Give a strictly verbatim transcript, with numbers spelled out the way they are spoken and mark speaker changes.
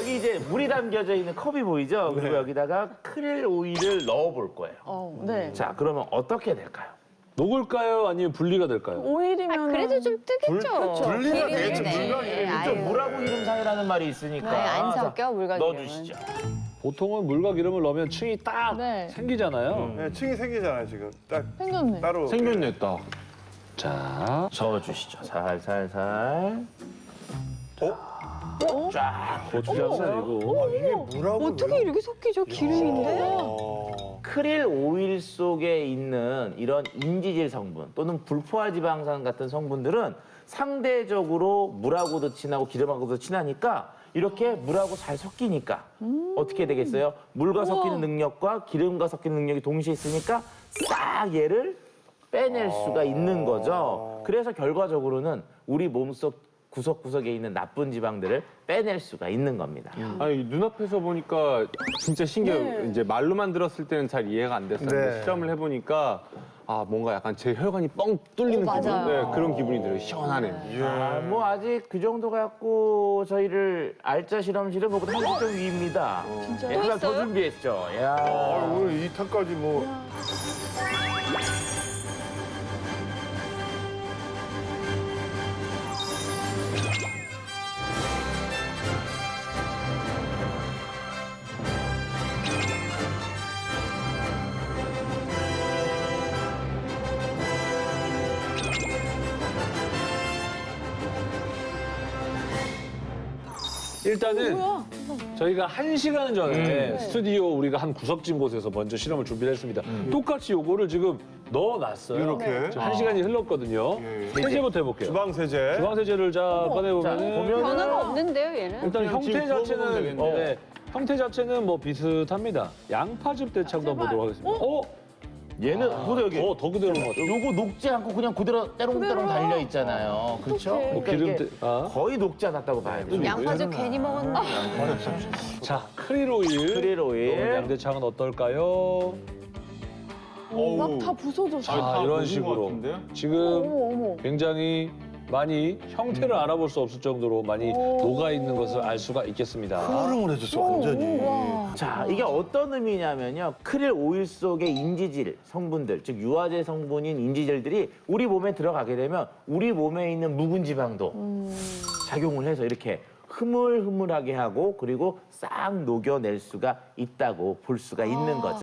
Speaker 1: 여기 이제 물이 담겨져 있는 컵이 보이죠? 그리고
Speaker 2: 네.
Speaker 1: 여기다가 크릴 오일을 넣어볼 거예요.
Speaker 3: 어, 네.
Speaker 1: 자, 그러면 어떻게 될까요?
Speaker 4: 녹을까요? 아니면 분리가 될까요?
Speaker 3: 오일이면
Speaker 5: 아, 그래도 좀 뜨겠죠.
Speaker 2: 분리가
Speaker 5: 기름이네.
Speaker 2: 되겠죠. 물과
Speaker 5: 네,
Speaker 2: 기름이
Speaker 5: 아유.
Speaker 1: 좀 물하고 기름 사이라는 말이 있으니까.
Speaker 5: 네, 안 섞여, 물과 기름은.
Speaker 1: 넣어주시죠.
Speaker 4: 보통은 물과 기름을 넣으면 층이 딱
Speaker 3: 네.
Speaker 4: 생기잖아요.
Speaker 2: 네, 층이 생기잖아요, 지금. 딱
Speaker 3: 생겼네.
Speaker 2: 따로.
Speaker 1: 생겼네, 딱.
Speaker 4: 자,
Speaker 1: 저어주시죠. 살살살.
Speaker 2: 어?
Speaker 1: 쫙.
Speaker 4: 고추장은 아니고.
Speaker 2: 이게 물하고.
Speaker 5: 어떻게 이렇게 섞이죠? 기름인데?
Speaker 2: 어.
Speaker 1: 크릴 오일 속에 있는 이런 인지질 성분 또는 불포화 지방산 같은 성분들은 상대적으로 물하고도 친하고 기름하고도 친하니까 이렇게 물하고 잘 섞이니까 어떻게 되겠어요? 물과 섞이는 능력과 기름과 섞이는 능력이 동시에 있으니까 싹 얘를 빼낼 수가 있는 거죠. 그래서 결과적으로는 우리 몸속 구석구석에 있는 나쁜 지방들을 빼낼 수가 있는 겁니다.
Speaker 6: 아니 눈앞에서 보니까 진짜 신기해요.
Speaker 3: 네.
Speaker 6: 이제 말로만 들었을 때는 잘 이해가 안 됐었는데
Speaker 2: 네.
Speaker 6: 시험을 해보니까 아 뭔가 약간 제 혈관이 뻥 뚫리는
Speaker 5: 어,
Speaker 6: 기분,
Speaker 5: 맞아요.
Speaker 6: 네, 그런 기분이 들어요. 시원하네.
Speaker 1: 아, 뭐 아직 그 정도 갖고 저희를 알짜 실험실에 보고 한 시점 위입니다.
Speaker 3: 진짜요?
Speaker 1: 예,
Speaker 5: 또
Speaker 1: 하나 더
Speaker 5: 있어요?
Speaker 1: 준비했죠.
Speaker 2: 아,
Speaker 1: 야.
Speaker 2: 오늘 이 탄까지 뭐.
Speaker 4: 일단은
Speaker 3: 뭐야?
Speaker 4: 저희가 한 시간 전에
Speaker 1: 네.
Speaker 4: 스튜디오 우리가 한 구석진 곳에서 먼저 실험을 준비를 했습니다. 똑같이 요거를 지금 넣어놨어요.
Speaker 2: 이렇게?
Speaker 4: 지금 한 시간이 흘렀거든요.
Speaker 2: 예.
Speaker 4: 세제부터 해볼게요.
Speaker 2: 주방 세제.
Speaker 4: 주방세제를 자 꺼내보면은
Speaker 1: 보면-
Speaker 5: 변화가 없는데요, 얘는?
Speaker 4: 일단
Speaker 6: 그냥
Speaker 4: 형태
Speaker 6: 지금 부어보면
Speaker 4: 자체는
Speaker 6: 되겠네요.
Speaker 4: 어, 네, 형태 자체는 뭐 비슷합니다. 양파즙 대창도 한번 보도록 하겠습니다. 어?
Speaker 1: 얘는 보다 여기
Speaker 4: 어, 더 그대로인 것 같아요.
Speaker 1: 요거 녹지 않고 그냥 그대로 때롱때롱 달려 있잖아요. 그렇죠?
Speaker 3: 어떡해.
Speaker 1: 그러니까
Speaker 4: 기름
Speaker 1: 이게
Speaker 4: 때- 아.
Speaker 1: 거의 녹지 않았다고 봐야 돼요.
Speaker 5: 양파즙 괜히 먹었나?
Speaker 4: 자, 크릴 오일.
Speaker 1: 크릴 오일.
Speaker 4: 넣은 양대창은 어떨까요?
Speaker 3: 막 다 부서졌어.
Speaker 4: 자,
Speaker 6: 다
Speaker 4: 이런
Speaker 6: 녹은 것
Speaker 4: 식으로.
Speaker 6: 같은데요?
Speaker 4: 지금
Speaker 3: 어머, 어머.
Speaker 4: 굉장히 많이 형태를 알아볼 수 없을 정도로 많이 녹아있는 것을 알 수가 있겠습니다.
Speaker 2: 흐물흐물해졌어, 완전히.
Speaker 3: 와.
Speaker 1: 자, 이게 어떤 의미냐면요. 크릴 오일 속의 인지질 성분들, 즉 유화제 성분인 인지질들이 우리 몸에 들어가게 되면 우리 몸에 있는 묵은 지방도 작용을 해서 이렇게 흐물흐물하게 하고 그리고 싹 녹여낼 수가 있다고 볼 수가 있는 거죠.